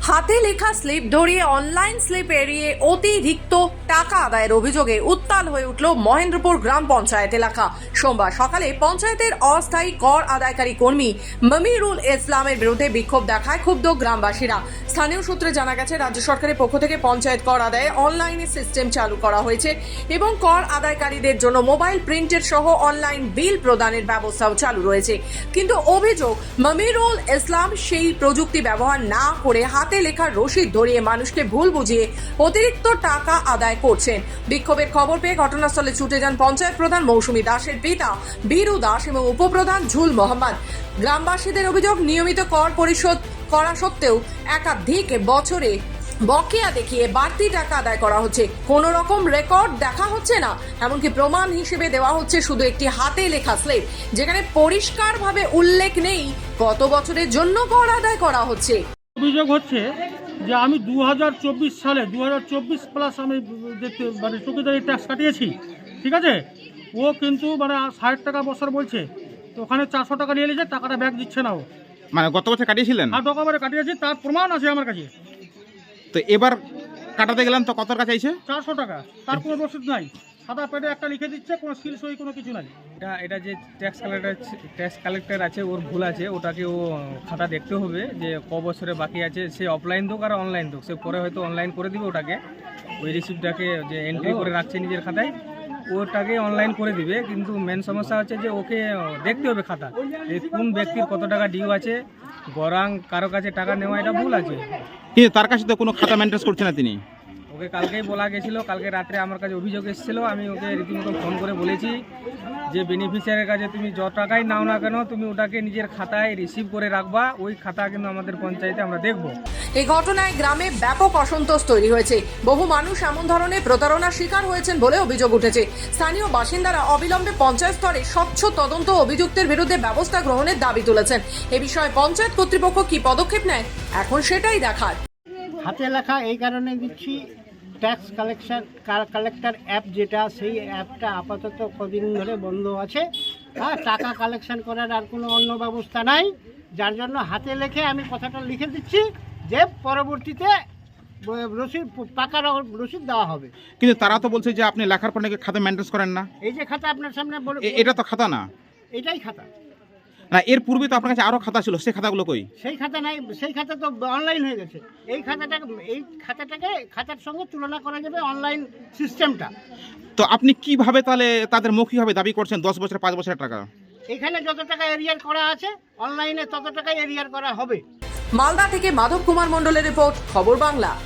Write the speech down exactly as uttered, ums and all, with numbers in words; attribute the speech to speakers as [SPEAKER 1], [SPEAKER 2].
[SPEAKER 1] হাতে লেখা স্লিপ ধরিয়ে অনলাইন স্লিপ এড়িয়ে অতিরিক্ত টাকা আদায়ের অভিযোগে উত্তাল হয়ে উঠল মহেন্দ্রপুর গ্রাম পঞ্চায়েত এলাকা। সোমবার সকালে পঞ্চায়েতের অস্থায়ী কর আদায়কারী কর্মী মমিরুল ইসলামের বিরুদ্ধে বিক্ষোভ দেখায় ক্ষুব্ধ গ্রামবাসীরা। স্থানীয় সূত্রে জানা গেছে, রাজ্য সরকারের পক্ষ থেকে পঞ্চায়েত কর আদায়ে অনলাইনে সিস্টেম চালু করা হয়েছে এবং কর আদায়কারীদের জন্য মোবাইল প্রিন্টের সহ অনলাইন বিল প্রদানের ব্যবস্থাও চালু রয়েছে। কিন্তু অভিযোগ, মমিরুল ইসলাম সেই প্রযুক্তি ব্যবহার না করে হাতে লেখা রসিদ ধরিয়ে মানুষকে ভুল বুঝিয়ে অতিরিক্ত টাকা আদায় করছেন। বিক্ষোভের খবর পেয়ে ঘটনাস্থলে ছুটে যান পঞ্চায়েত প্রধান মৌসুমী দাসের পিতা বীরু দাস এবং উপপ্রধান ঝুল মোহাম্মদ। গ্রামবাসীদের অভিযোগ, নিয়মিত কর পরিশোধ করা সত্ত্বেও একাধিক বছরে বকেয়া দেখিয়ে বাড়তি টাকা আদায় করা হচ্ছে। কোনো রকম রেকর্ড দেখা হচ্ছে না, এমনকি প্রমাণ হিসেবে দেওয়া হচ্ছে শুধু একটি হাতে লেখা স্লিপ, যেখানে পরিষ্কারভাবে উল্লেখ নেই কত বছরের জন্য কর আদায় করা হচ্ছে।
[SPEAKER 2] অভিযোগ হচ্ছে যে আমি দু হাজার চব্বিশ সালে দু হাজার চব্বিশ প্লাস আমি দেখতে মানে চৌকিদারি ট্যাক্স কাটিয়েছি, ঠিক আছে। ও কিন্তু মানে ষাট টাকা বছর বলছে, তো ওখানে চারশো টাকা নিয়ে নিয়েছে, টাকাটা ব্যাক দিচ্ছে না ও।
[SPEAKER 3] মানে গত বছর কাটিয়েছিলেন?
[SPEAKER 2] আর ডকুমেন্টে কাটিয়েছি, তার প্রমাণ আছে আমার কাছে।
[SPEAKER 3] তো এবার কাটাতে গেলাম তো কত টাকা চাইছে?
[SPEAKER 2] চারশো টাকা, তার কোনো রসিদ নাই, সাদা পেটে একটা লিখে দিচ্ছে, কোনো সিল সই কোনো কিছু নাই।
[SPEAKER 4] এটা এটা যে ট্যাক্স কালেক্টর ট্যাক্স কালেক্টর আছে, ওর ভুল আছে, ওটাকে ও খাতা দেখতে হবে যে ক বছরে বাকি আছে। সে অফলাইন দোক আর অনলাইন দোক, সে পরে হয়তো অনলাইন করে দিবে ওটাকে, ওই রিসিপ্টটাকে যে এন্ট্রি করে রাখছে নিজের খাতায় ওটাকে অনলাইন করে দিবে। কিন্তু মেন সমস্যা হচ্ছে যে ওকে দেখতে হবে খাতা, যে কোন ব্যক্তির কত টাকা ডিউ আছে, গরাং কারো কাছে টাকা নেওয়া, এটা ভুল আছে।
[SPEAKER 3] কিন্তু তার কাছে তো কোনো খাতা মেনটেন করছে না তিনি।
[SPEAKER 4] ওকে কালকেই বলা গেছিলো, কালকে রাত্রে আমার কাছে অভিযোগ এসেছিলো, আমি ওকে রীতিমতো ফোন করে বলেছি যে বেনিফিশিয়ারের কাছে তুমি যত টাকাই নাও না কেন, তুমি ওটাকে নিজের খাতায় রিসিভ করে রাখবা, ওই খাতা কিন্তু আমাদের পঞ্চায়েতে আমরা দেখব।
[SPEAKER 1] এই ঘটনায় গ্রামে ব্যাপক অসন্তোষ তৈরি হয়েছে। বহু মানুষ এমন ধরনের প্রতারণার শিকার হয়েছেন বলে অভিযোগ উঠেছে। স্থানীয় বাসিন্দারা অবিলম্বে পঞ্চায়েত স্তরে স্বচ্ছ তদন্ত, অভিযুক্তের বিরুদ্ধে ব্যবস্থা গ্রহণের দাবি তুলেছেন। এ বিষয়ে পঞ্চায়েত কর্তৃপক্ষ কি পদক্ষেপ নেয়, এখন সেটাই দেখার।
[SPEAKER 5] হাতে লেখা এই কারণে দিচ্ছি, ট্যাক্স কালেকশন কালেক্টর অ্যাপ যেটা, সেই অ্যাপটা আপাতত কদিন ধরে বন্ধ আছে। হ্যাঁ, টাকা কালেকশন করার আর কোনো অন্য ব্যবস্থা নাই, যার জন্য হাতে লেখে আমি কথাটা লিখে দিচ্ছি যে পরবর্তীতে রসিদ পাকা রসিদ দেওয়া হবে।
[SPEAKER 3] কিন্তু তারা তো বলছে যে আপনি লেখার পর নাকি খাতা মেনটেন করেন না।
[SPEAKER 5] এই যে খাতা আপনার সামনে,
[SPEAKER 3] এ- এটা তো খাতা না।
[SPEAKER 5] এটাই খাতা
[SPEAKER 3] না, এর পূর্বে তো আপনার কাছে আরো খাতা ছিল, সেই খাতাগুলো কই?
[SPEAKER 5] সেই খাতা নাই, সেই খাতা তো অনলাইন হয়ে গেছে। এই খাতাটা এই খাতাটাকে খাতার সঙ্গে তুলনা করা যাবে অনলাইন সিস্টেমটা।
[SPEAKER 3] তো আপনি কিভাবে তাহলে তাদের মৌখিকভাবে দাবি করছেন দশ বছর পাঁচ বছরের টাকা?
[SPEAKER 5] এখানে যত টাকা এরিয়ার করা আছে, অনলাইনে তত টাকা এরিয়ার করা হবে।
[SPEAKER 1] মালদা থেকে মাধব কুমার মণ্ডলের রিপোর্ট, খবর বাংলা।